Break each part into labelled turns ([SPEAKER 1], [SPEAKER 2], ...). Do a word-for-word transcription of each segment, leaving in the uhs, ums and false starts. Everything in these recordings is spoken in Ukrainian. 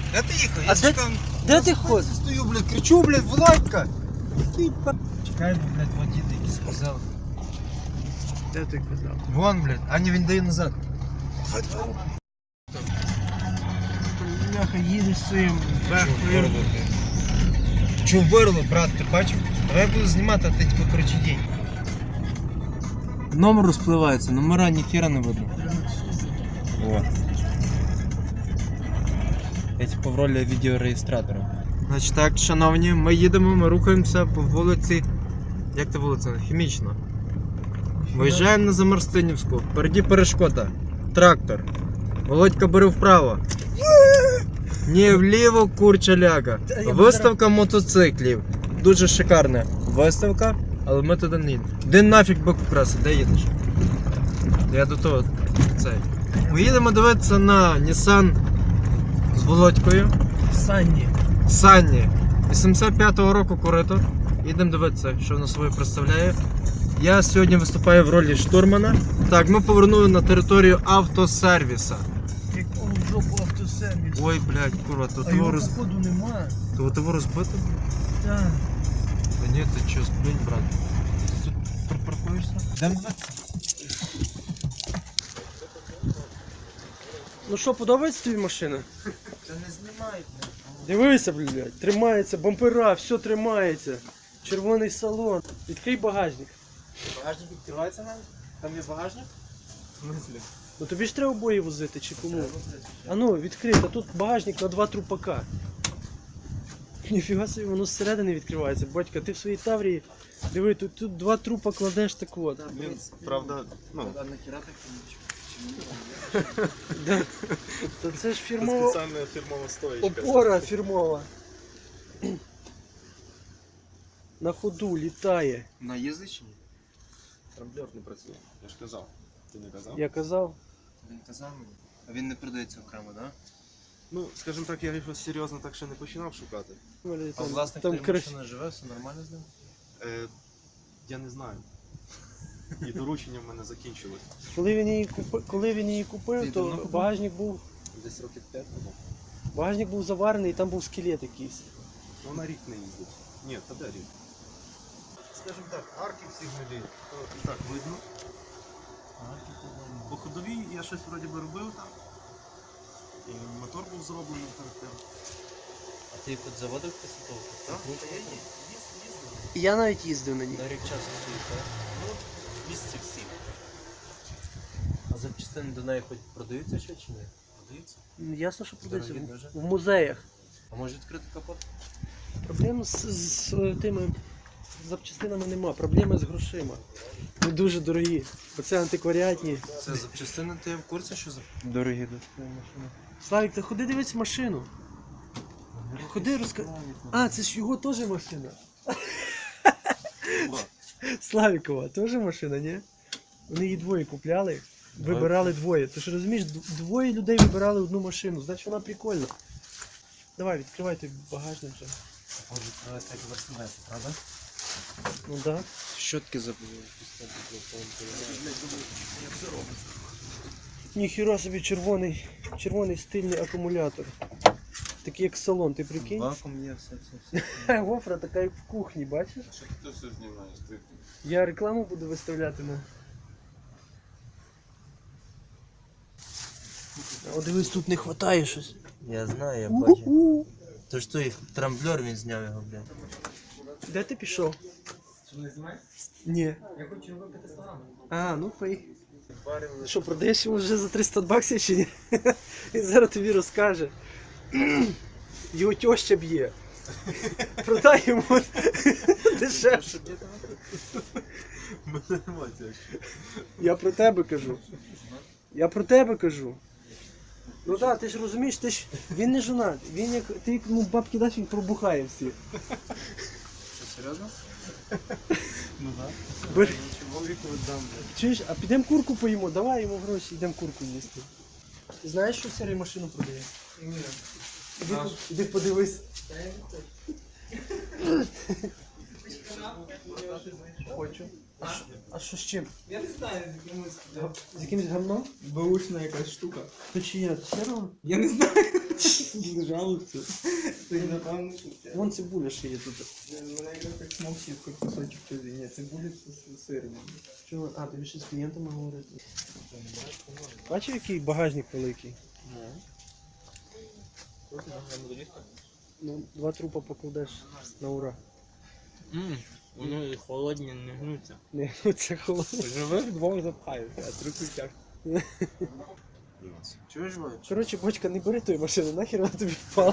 [SPEAKER 1] Де ти їхав?
[SPEAKER 2] А
[SPEAKER 1] Я
[SPEAKER 2] де-
[SPEAKER 1] чекав.
[SPEAKER 2] де
[SPEAKER 1] Я
[SPEAKER 2] ти
[SPEAKER 1] за
[SPEAKER 2] ходиш?
[SPEAKER 1] фонці стою, блядь, кричу, блядь, Володька! Який па... Чекай, бо, блядь, водій якийсь сказав.
[SPEAKER 2] Де ти казав?
[SPEAKER 1] Вон, блядь, а не він дає назад.
[SPEAKER 2] Бляха, їдеш своїм
[SPEAKER 1] Чув
[SPEAKER 2] бехою.
[SPEAKER 1] вирло, блядь. Чув вирло, брат, ти бачив? Давай я буду знімати, а ти типу, коротше, дій. Номер розпливається, номера ніхіра не видно. О. Я типу в ролі відеореєстратора. Значить так, шановні, ми їдемо, ми рухаємося по вулиці. Як це вулиця? Хімічна. Виїжджаємо на Замарстинівську. Впереді перешкода. Трактор. Володька бери вправо. Ні, вліво, курчаляка. Виставка мотоциклів. Дуже шикарна виставка, але ми туди не їдемо. Де нафіг бик краси, де їдеш? Я до того цей. Ми їдемо дивитися на Nissan з Володькою.
[SPEAKER 2] Санні.
[SPEAKER 1] Санні. вісімдесят п'ятого року корито. Їдемо дивитися, що воно собою представляє. Я сьогодні виступаю в ролі штурмана. Так, ми повернули на територію автосервіса.
[SPEAKER 2] Якого в жопу автосервіс?
[SPEAKER 1] Ой, блядь, курва, то
[SPEAKER 2] А
[SPEAKER 1] того
[SPEAKER 2] його
[SPEAKER 1] роз...
[SPEAKER 2] походу нема.
[SPEAKER 1] то того розбито?
[SPEAKER 2] Так.
[SPEAKER 1] Та ні, ти чого, блін, брат. Ти тут припаркуєшся? Йдемо дивитися.
[SPEAKER 2] Ну що, подобається тобі машина?
[SPEAKER 1] Та не знімай, блядь.
[SPEAKER 2] Дивися, блядь, тримається, бампера, все тримається. Червоний салон. Відкрий багажник.
[SPEAKER 1] Багажник відкривається навіть? Там є багажник? В смислі?
[SPEAKER 2] Ну тобі ж треба обої возити чи кому? А ну, відкрий, а тут багажник на два трупака. Ніфіга собі, воно зсередини відкривається. Батька, ти в своїй Таврії, диви, тут, тут два трупа кладеш так от.
[SPEAKER 3] Блін, правда, ну,
[SPEAKER 1] А нахіра так нічого?
[SPEAKER 2] Да. Та це ж
[SPEAKER 3] це
[SPEAKER 2] фірмова
[SPEAKER 3] спеціальна фірмова стоїчка.
[SPEAKER 2] опора фірмова. На ходу літає.
[SPEAKER 1] На їздить чи ні?
[SPEAKER 3] Трамблер не працює. Я ж казав. Ти не казав?
[SPEAKER 2] Я казав.
[SPEAKER 1] Він казав мені. А він не продається окремо, так? Да?
[SPEAKER 3] Ну, скажімо так, я його серйозно так ще не починав шукати.
[SPEAKER 2] Там,
[SPEAKER 1] А власник
[SPEAKER 2] там
[SPEAKER 1] тієї
[SPEAKER 2] крас-
[SPEAKER 1] машини живе, все нормально з ним?
[SPEAKER 3] Е, я не знаю. І доручення в мене закінчилось.
[SPEAKER 2] Коли він її купив, коли він її купив,
[SPEAKER 1] Ти
[SPEAKER 2] то
[SPEAKER 1] давно купив?
[SPEAKER 2] багажник був,
[SPEAKER 3] Десь років п'ять тому.
[SPEAKER 2] багажник був заварений, і там був скелет якийсь.
[SPEAKER 3] Ну, на рік не їздить. Ні, та де рік? Скажімо так, арки всіх людей. То і так видно. По ходовій я щось вроді би робив там. І мотор був зроблений перед тим.
[SPEAKER 1] А ти під заводив після того?
[SPEAKER 3] Так, та я їздив, їздив.
[SPEAKER 2] Я навіть їздив на ній.
[SPEAKER 1] На рік часу стоїть, так?
[SPEAKER 3] Ну, місяців сім.
[SPEAKER 1] А запчастини до неї хоч продаються ще чи ні?
[SPEAKER 3] Продаються?
[SPEAKER 2] Ну, ясно, що продається
[SPEAKER 1] Дорогі
[SPEAKER 2] в,
[SPEAKER 1] дуже?
[SPEAKER 2] в музеях.
[SPEAKER 1] А може відкрити капот?
[SPEAKER 2] Проблем з, з, з тими запчастинами нема, проблеми з грошима. Вони дуже дорогі. Оце антикваріатні.
[SPEAKER 1] Це запчастини, ти в курсі, що за дорогі до твоєї машини?
[SPEAKER 2] Славік, ти ходи дивись машину. Ходи розка... А, це ж його теж машина. Славікова, теж машина, ні? Вони її двоє купляли, вибирали двоє. Ти ж розумієш, д- двоє людей вибирали одну машину, значить вона прикольна. Давай, відкривай той багажник вже.
[SPEAKER 1] Може відкривати як Мерседес, правда?
[SPEAKER 2] Ну так. Да.
[SPEAKER 1] Щотки забули.
[SPEAKER 2] Ніхіра собі червоний, червоний стильний акумулятор. Такий як салон, ти прикинь?
[SPEAKER 1] Вакуум є, все, все, все.
[SPEAKER 2] Гофра така як в кухні, бачиш?
[SPEAKER 3] Що ти все знімаєш? Ти...
[SPEAKER 2] Я рекламу буду виставляти на. О, дивись, тут не вистачає щось.
[SPEAKER 1] Я знаю, я бачу. То ж той трамблер, він зняв його, блядь.
[SPEAKER 2] Де ти пішов? Ні. Я хочу випити славу. А, ну пий. Що, продаєш йому вже за триста баксів чи ні? Він зараз тобі розкаже. Його тьоща б'є. Продай йому дешевше.
[SPEAKER 3] Мене емоція.
[SPEAKER 2] Я про тебе кажу. Я про тебе кажу. Ну так, ти ж розумієш, ти ж він не жонат. Він як ти йому бабки дасть, він пробухає всі.
[SPEAKER 1] Що, серйозно?
[SPEAKER 3] Ну так.
[SPEAKER 2] Бери.
[SPEAKER 1] Чого віку віддам, блядь?
[SPEAKER 2] Чуєш, а підемо курку поїмо, давай йому гроші, йдемо курку їсти. Ти знаєш, що Сергій машину продає?
[SPEAKER 1] Ні.
[SPEAKER 2] Іди, іди подивись.
[SPEAKER 1] Хочу.
[SPEAKER 2] А що, а що з чим?
[SPEAKER 4] Я не знаю, з якимось да,
[SPEAKER 2] З якимось гамном?
[SPEAKER 4] баушна якась штука.
[SPEAKER 2] То чи є? Сірого?
[SPEAKER 4] Я не знаю. Не жалуються. Ти напевно, що це.
[SPEAKER 2] Вон цибуля ще є тут.
[SPEAKER 4] Мене якраз так смок сітко кусочок чужий. Ні, це буде з сиром.
[SPEAKER 2] Чого? А, тобі ще з клієнтами говорити. Бачив, який багажник великий? Ну, два трупа покладеш на ура.
[SPEAKER 5] Ммм, вони холодні, не гнуться.
[SPEAKER 2] Не, ну це холодно.
[SPEAKER 5] Живих двох запхаються, а трупи тяг.
[SPEAKER 1] Чуєш, Вович?
[SPEAKER 2] Коротше, бочка, не бери тої машини, нахер вона тобі впала.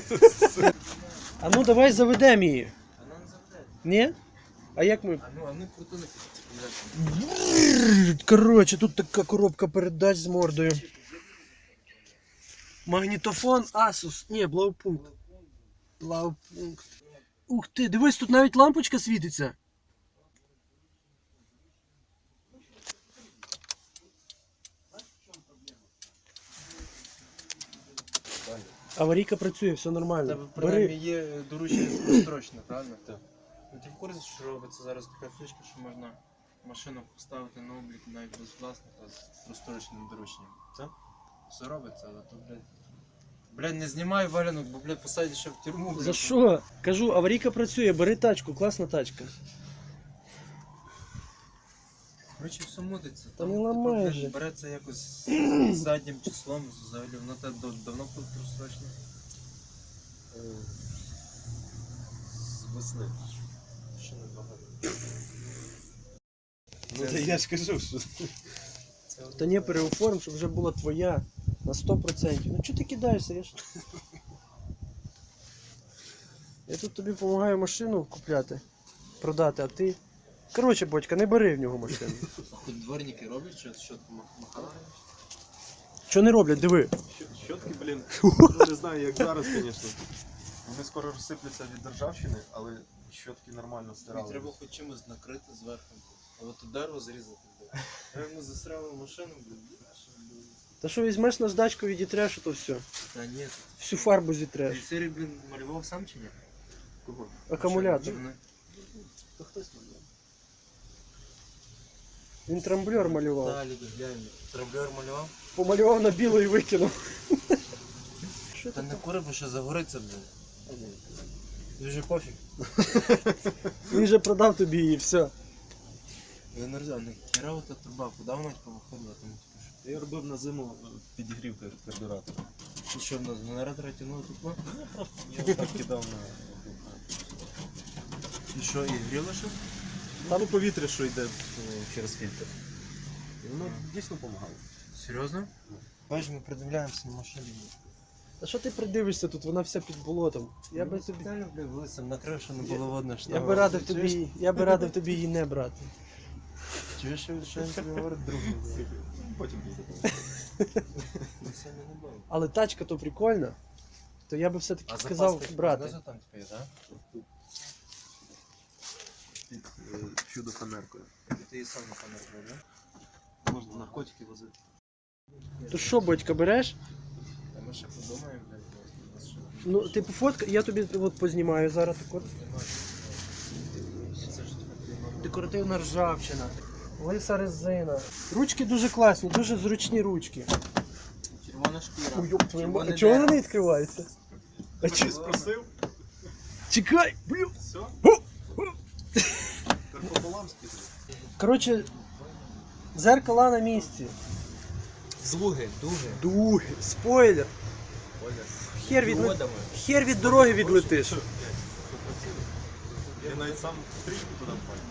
[SPEAKER 2] А ну давай заведемо її.
[SPEAKER 1] Вона не заведе.
[SPEAKER 2] Ні? А як ми?
[SPEAKER 1] А ну, а ну крутили.
[SPEAKER 2] Коротше, тут така коробка передач з мордою. Магнітофон Asus. Ні, блаупункт. Блаупункт. Ух ти, дивись, тут навіть лампочка світиться. Аварійка працює, все
[SPEAKER 1] У
[SPEAKER 2] нормально.
[SPEAKER 1] тебе принаймні
[SPEAKER 2] Бери.
[SPEAKER 1] є доручення строчне, правильно? Так. Ну ти в курсі, що робиться зараз така фішка, що можна машину поставити на облік навіть без власника з просторочним дорученням. Це? Все робиться, але то, блядь. Блядь, не знімай валянок, бо, блядь, посадять ще в тюрму.
[SPEAKER 2] За
[SPEAKER 1] блядь.
[SPEAKER 2] що? Кажу, аварійка працює, бери тачку, класна тачка.
[SPEAKER 1] Короче, все мудиться.
[SPEAKER 2] Та не ламай
[SPEAKER 1] блядь,
[SPEAKER 2] же.
[SPEAKER 1] береться якось з заднім числом, взагалі, воно те дав- давно прострочне.
[SPEAKER 3] З весни.
[SPEAKER 1] Ще не багато.
[SPEAKER 3] Ну та я ж кажу, що
[SPEAKER 1] Це
[SPEAKER 2] Та не переоформ, щоб вже була твоя на сто процентів. Ну чого ти кидаєшся? Я ж... Я тут тобі допомагаю машину купляти, продати, а ти... Коротше, батька, не бери в нього машину.
[SPEAKER 1] хоч дворники роблять, що щотку махали.
[SPEAKER 2] Що не роблять, диви.
[SPEAKER 3] Щ- щотки, блін, ну не знаю, як зараз, звісно. Вони скоро розсипляться від державщини, але щотки нормально
[SPEAKER 1] І
[SPEAKER 3] стирали.
[SPEAKER 1] треба хоч чимось накрити зверху. А от тут дерево зрізати. блядь. Реально засрали машину, блін.
[SPEAKER 2] Та що візьмеш наждачку, відітреш, то все.
[SPEAKER 1] Та ні,
[SPEAKER 2] Всю фарбу
[SPEAKER 1] ти
[SPEAKER 2] зітреш.
[SPEAKER 1] в серії, блін, малював сам чи ні?
[SPEAKER 3] Кого?
[SPEAKER 2] Акумулятор.
[SPEAKER 1] Машину?
[SPEAKER 3] Та хтось малював.
[SPEAKER 2] Він трамблер малював.
[SPEAKER 1] Далі, глянь. Трамблер малював?
[SPEAKER 2] Помалював на біло і викинув. Що
[SPEAKER 1] Та
[SPEAKER 2] ти?
[SPEAKER 1] не кури, бо ще загориться, блін. Дуже пофіг.
[SPEAKER 2] Він вже продав тобі її, все.
[SPEAKER 1] Я не розумію, не херова та труба, куди вона повиходила там? типу, що?
[SPEAKER 3] Я робив на зиму е, підігрів кар- карбюратора.
[SPEAKER 1] І що в нас з генератора тягнуло тут? Ну?
[SPEAKER 3] Я так кидав на.
[SPEAKER 1] І що, і гріло ще?
[SPEAKER 3] Там повітря, що йде е, через фільтр. І воно дійсно допомагало.
[SPEAKER 1] Серйозно? Бачиш, ми придивляємося на машині.
[SPEAKER 2] А що ти придивишся тут? Вона вся під болотом. Я би тобі.
[SPEAKER 1] спеціально, блядь, вилицем накрив, що не було видно, що
[SPEAKER 2] Я
[SPEAKER 1] там-
[SPEAKER 2] би радив
[SPEAKER 1] Чуєш?
[SPEAKER 2] тобі, я би радив тобі її не брати.
[SPEAKER 1] Чуєш, що що він тобі говорить другу?
[SPEAKER 3] Потім буде.
[SPEAKER 1] Ми сьогодні не були.
[SPEAKER 2] Але тачка то прикольна, то я би все-таки сказав брати.
[SPEAKER 1] Знизу там типу є, так?
[SPEAKER 3] Під е, чудо фанеркою.
[SPEAKER 1] Ти її сам на камеру робив, да?
[SPEAKER 3] Можна наркотики возити.
[SPEAKER 2] То що, батька, береш?
[SPEAKER 1] А ми ще подумаємо, блядь, у нас ще
[SPEAKER 2] Ну, ти пофотка, я тобі от познімаю зараз таку.
[SPEAKER 1] це ж таке.
[SPEAKER 2] Декоративна ржавчина, лиса резина. Ручки дуже класні, дуже зручні ручки.
[SPEAKER 1] Червона шкіра.
[SPEAKER 2] Ой, ёб твою
[SPEAKER 1] Червоне
[SPEAKER 2] мать, а чого вона
[SPEAKER 1] дерево.
[SPEAKER 2] не відкривається? А
[SPEAKER 3] Ти
[SPEAKER 2] чи...
[SPEAKER 3] спросив?
[SPEAKER 2] Чекай, блю.
[SPEAKER 3] Все? Так пополам скидали.
[SPEAKER 2] Коротше, зеркала на місці.
[SPEAKER 1] Дуги, дуги.
[SPEAKER 2] Дуги, спойлер. Хер від,
[SPEAKER 1] Водами.
[SPEAKER 2] хер від дороги відлетиш.
[SPEAKER 3] Я навіть сам стрічку туди впав.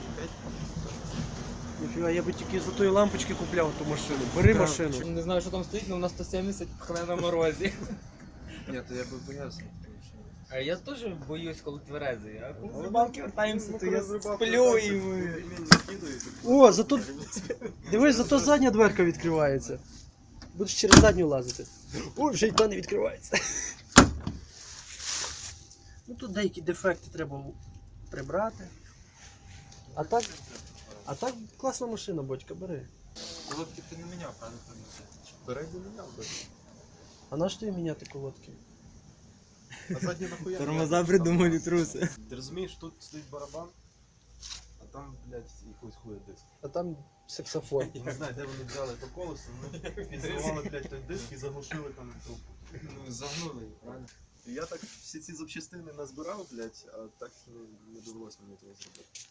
[SPEAKER 2] Ніфіга, я би тільки за тої лампочки купляв ту машину. Бери машину.
[SPEAKER 4] Не знаю, що там стоїть, але у нас сто сімдесят пхне на морозі.
[SPEAKER 1] Ні, то я би боявся.
[SPEAKER 4] А я теж боюсь, коли тверезий. А коли з
[SPEAKER 3] Але
[SPEAKER 4] рибалки вертаємося,
[SPEAKER 3] Ну,
[SPEAKER 4] то
[SPEAKER 3] коли
[SPEAKER 4] я
[SPEAKER 3] з рибалки
[SPEAKER 4] сплю
[SPEAKER 3] вертаєшся,
[SPEAKER 4] і
[SPEAKER 3] то
[SPEAKER 4] ми...
[SPEAKER 3] пельмені закидують.
[SPEAKER 2] О, зато. Дивись, зато задня дверка відкривається. Будеш через задню лазити. Ой, вже й та не відкривається. Ну тут деякі дефекти треба прибрати. А так. А так класна машина, батька, бери.
[SPEAKER 1] Колодки ти не міняв, правда?
[SPEAKER 3] Передні не мав би.
[SPEAKER 2] А на що тобі міняти колодки?
[SPEAKER 3] А задні нахуя?
[SPEAKER 5] Тормоза придумали труси.
[SPEAKER 3] Ти розумієш, тут стоїть барабан, а там, блядь, якийсь хуя диск.
[SPEAKER 2] А там саксофон.
[SPEAKER 3] Не знаю, де вони взяли то колесо, вони підзривали, блядь, той диск і заглушили там трубку.
[SPEAKER 1] Ну, загнули її, правильно?
[SPEAKER 3] І я так всі ці запчастини назбирав, блядь, а так не, не довелося мені того зробити.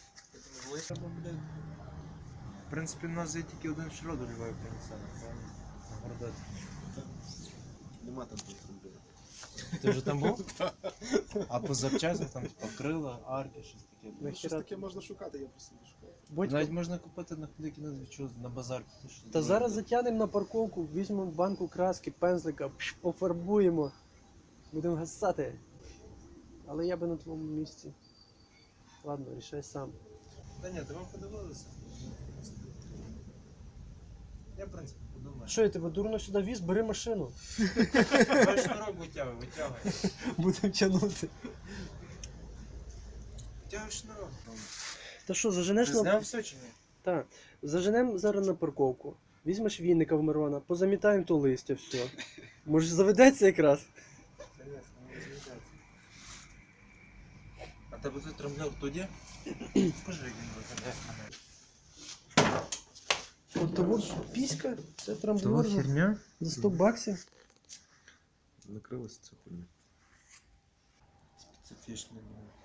[SPEAKER 1] В принципі, у нас є тільки один шродер Львові принесено, правильно? На Городоці.
[SPEAKER 3] Нема там тих проблем.
[SPEAKER 1] Ти вже там був? А по запчастям там типу, крила, арки, щось таке.
[SPEAKER 3] Ну, щось таке можна шукати, я просто не шукаю.
[SPEAKER 2] Бодько,
[SPEAKER 1] Навіть можна купити на хліки на двічу, на базар. піти, щось
[SPEAKER 2] та
[SPEAKER 1] зробити.
[SPEAKER 2] зараз затягнемо на парковку, візьмемо банку краски, пензлика, пш, пофарбуємо. Будемо гасати. Але я би на твоєму місці. Ладно, рішай сам.
[SPEAKER 1] Та ні, ти вам подивилися. Я, в принципі, подумаю.
[SPEAKER 2] Що я тебе дурно сюди віз, бери машину.
[SPEAKER 1] Давай шнурок витягуй, витягуй.
[SPEAKER 2] Будемо тягнути.
[SPEAKER 1] Витягуй шнурок.
[SPEAKER 2] Та що, заженеш
[SPEAKER 1] Ти
[SPEAKER 2] на...
[SPEAKER 1] зняв все чи ні?
[SPEAKER 2] Так. Заженемо зараз на парковку. Візьмеш вінника в Мирона, позамітаємо то листя, все. Може заведеться якраз?
[SPEAKER 1] Конечно, не розглядається. А тебе тут трамблер тоді? Покажи, як він виглядає.
[SPEAKER 2] От того піська, це трамблер за-
[SPEAKER 1] херня?
[SPEAKER 2] за сто баксів.
[SPEAKER 3] Накрилася ця хуйня.
[SPEAKER 1] Специфічний.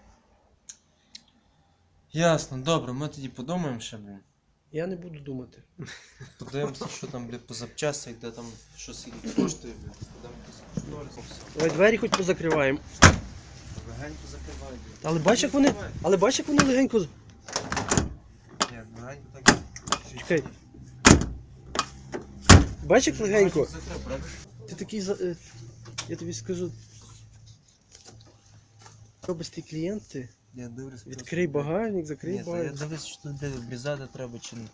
[SPEAKER 1] Ясно, добре, ми тоді подумаємо ще, блін.
[SPEAKER 2] Я не буду думати.
[SPEAKER 1] Подивимося, що там, блін, по запчастях, де там, що скільки коштує, блін. Подам по шнурку, все.
[SPEAKER 2] Давай двері хоч позакриваємо.
[SPEAKER 1] Легенько закривай, блін.
[SPEAKER 2] Але бач, як вони, але бач, як вони легенько. з-
[SPEAKER 1] Ні, легенько так.
[SPEAKER 2] Чекай. Бач, як легенько.
[SPEAKER 1] Закрив, правда?
[SPEAKER 2] Ти такий за. е, Я тобі скажу. Робистий клієнт ти.
[SPEAKER 1] Я дивлюсь.
[SPEAKER 2] Відкрий багажник, закрий
[SPEAKER 1] Ні, та я
[SPEAKER 2] багажник.
[SPEAKER 1] дивлюсь, що тут де обрізати треба чи не.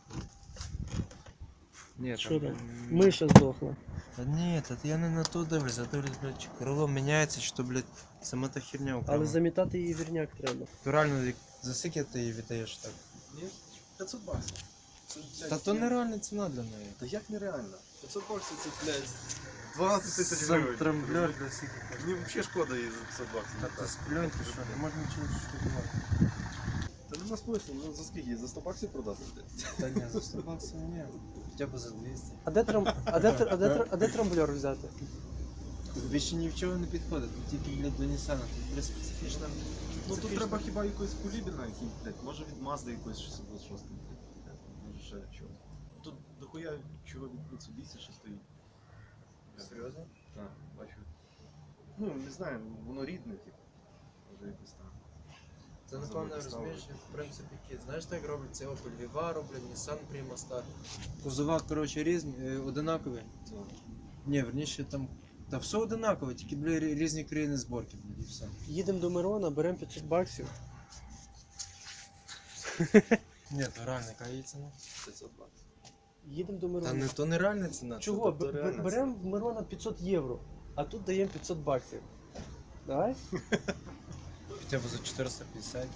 [SPEAKER 1] Ні,
[SPEAKER 2] Що там?
[SPEAKER 1] блін,
[SPEAKER 2] Миша здохла.
[SPEAKER 1] Та ні, та я не на то дивлюсь, я дивлюсь, блядь, чи крило міняється, чи то, блядь, сама та херня окремо.
[SPEAKER 2] Але замітати її вірняк треба.
[SPEAKER 1] То реально, як- за скільки ти її віддаєш так?
[SPEAKER 3] Ні? п'ятсот баксів. Це, блядь,
[SPEAKER 1] Та то нереальна ціна для неї.
[SPEAKER 3] Та як нереально? п'ятсот баксів це, блядь, дванадцять тисяч
[SPEAKER 1] Сам
[SPEAKER 3] гривень.
[SPEAKER 1] трамблер для скільки коштує.
[SPEAKER 3] Мені взагалі шкода її за п'ятсот баксів.
[SPEAKER 1] Та ти сплюнь, ти що, не можна нічого штукувати.
[SPEAKER 3] Та нема смислу, ну за скільки її? За сто баксів продати, блядь?
[SPEAKER 1] Та ні, за сто баксів ні. Хоча б за двісті.
[SPEAKER 2] А де, трам... а де, тр- а де, тр- а де трамблер взяти?
[SPEAKER 1] Тобі ще ні в чого не підходить, тут тільки для Донісана, тут для специфічна.
[SPEAKER 3] Ну тут треба хіба якоїсь кулібіна, який, блядь, може від Mazda якоїсь шістсот двадцять шість, блядь, може ще чогось. Тут дохуя чого від Mitsubishi ще стоїть.
[SPEAKER 1] Серйозно?
[SPEAKER 3] Так, бачу. Ну, не знаю, воно рідне, типу. Може якось там.
[SPEAKER 1] Це напевно розумієш, як в принципі які. Знаєш, так роблять це Opel Vivaro, блін, Nissan Prima Star. Кузова, коротше, різні, е, одинакові.
[SPEAKER 3] Це.
[SPEAKER 1] Ні, верніше там. Та все одинакове, тільки бля, рі- різні країни зборки, блін, і все.
[SPEAKER 2] Їдемо до Мирона, беремо п'ятсот баксів.
[SPEAKER 1] Ні, то реальна яка її ціна.
[SPEAKER 3] п'ятсот баксів.
[SPEAKER 2] Їдемо до
[SPEAKER 1] Та
[SPEAKER 2] Мирона.
[SPEAKER 1] не то не реальна ціна.
[SPEAKER 2] Чого?
[SPEAKER 1] Це, то,
[SPEAKER 2] Б-
[SPEAKER 1] то
[SPEAKER 2] б-
[SPEAKER 1] реальна
[SPEAKER 2] Беремо в Мирона п'ятсот євро, а тут даємо п'ятсот баксів. Давай?
[SPEAKER 1] ціна. Хоча б за чотириста п'ятдесят.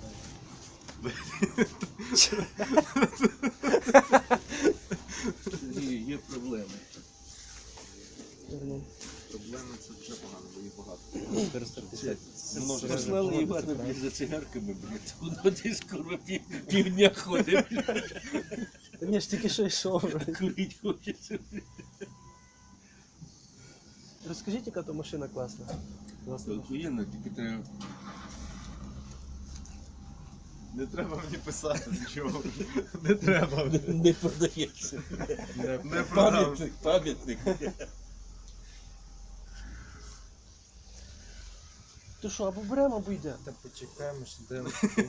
[SPEAKER 6] Ні, є проблеми.
[SPEAKER 2] Вернемо.
[SPEAKER 3] Проблеми це вже погано, бо їх багато.
[SPEAKER 1] чотириста п'ятдесят.
[SPEAKER 3] Множить.
[SPEAKER 6] Послали Івана, блядь, за цигарками, блядь. Воно десь скоро пів, півдня ходить, блядь.
[SPEAKER 2] Та ні, ж тільки що йшов.
[SPEAKER 6] Курить хочеться.
[SPEAKER 2] Розкажіть, яка то машина класна.
[SPEAKER 6] Охуєнно, тільки треба.
[SPEAKER 3] Не треба мені писати нічого. Не треба.
[SPEAKER 6] Не продається.
[SPEAKER 3] Не продам.
[SPEAKER 6] Пам'ятник, пам'ятник.
[SPEAKER 2] То що, або беремо, або йде.
[SPEAKER 1] Та почекаємо, що де.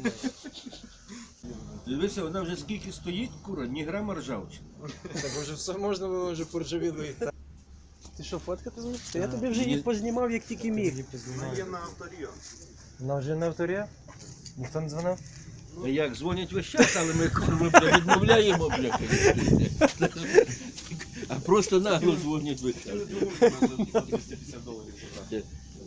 [SPEAKER 6] Дивися, вона вже скільки стоїть, кура, ні грама ржавчини.
[SPEAKER 1] Так вже все можна, ви вже поржавіло і так.
[SPEAKER 2] Ти що, фоткати зможеш? Та я
[SPEAKER 1] Так.
[SPEAKER 2] тобі вже її
[SPEAKER 6] Ні.
[SPEAKER 2] познімав, як тільки міг.
[SPEAKER 3] Вона є на авторіо.
[SPEAKER 1] Вона вже на авторі? Ніхто не дзвонив?
[SPEAKER 6] А як, дзвонять весь час, але ми курва, бля, відмовляємо, бля. А просто нагло дзвонять весь час.
[SPEAKER 3] двісті п'ятдесят доларів забрати.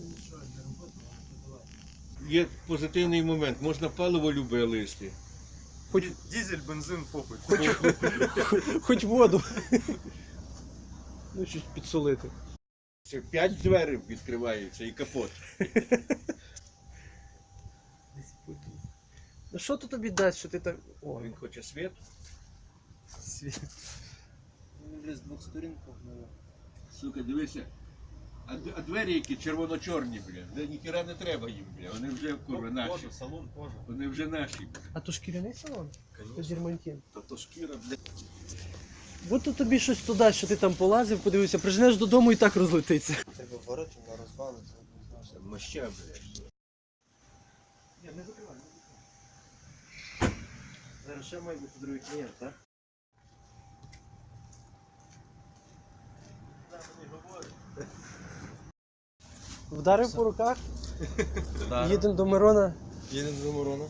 [SPEAKER 6] Є позитивний момент, можна паливо любе листи.
[SPEAKER 3] Хоч дизель, бензин, попит.
[SPEAKER 2] Хоч воду. Ну, щось підсолити.
[SPEAKER 6] Це п'ять дверей відкриваються і капот.
[SPEAKER 2] Ну що то тобі дасть, що ти так. О,
[SPEAKER 6] Він хоче світ.
[SPEAKER 2] світ.
[SPEAKER 1] З двох сторін погнали.
[SPEAKER 6] Сука, дивися. А, д- а двері які червоно-чорні, бля. Де ніхіра не треба їм, бля. Вони вже курва наші.
[SPEAKER 3] салон кожа.
[SPEAKER 6] Вони вже наші, бля.
[SPEAKER 2] А то шкіряний салон? То дірмантін.
[SPEAKER 3] Та то шкіра, блядь.
[SPEAKER 2] Будь то тобі щось туди, що ти там полазив, подивився, приженеш додому і так розлетиться.
[SPEAKER 1] Ти говорить, вона розвалиться.
[SPEAKER 6] Моща, бля.
[SPEAKER 1] Ні, не закривай, не закривай. Зараз ще має бути другий клієнт, так?
[SPEAKER 2] Вдарив по руках,
[SPEAKER 1] Так.
[SPEAKER 2] їдемо до Мирона.
[SPEAKER 1] Їдемо до Мирона.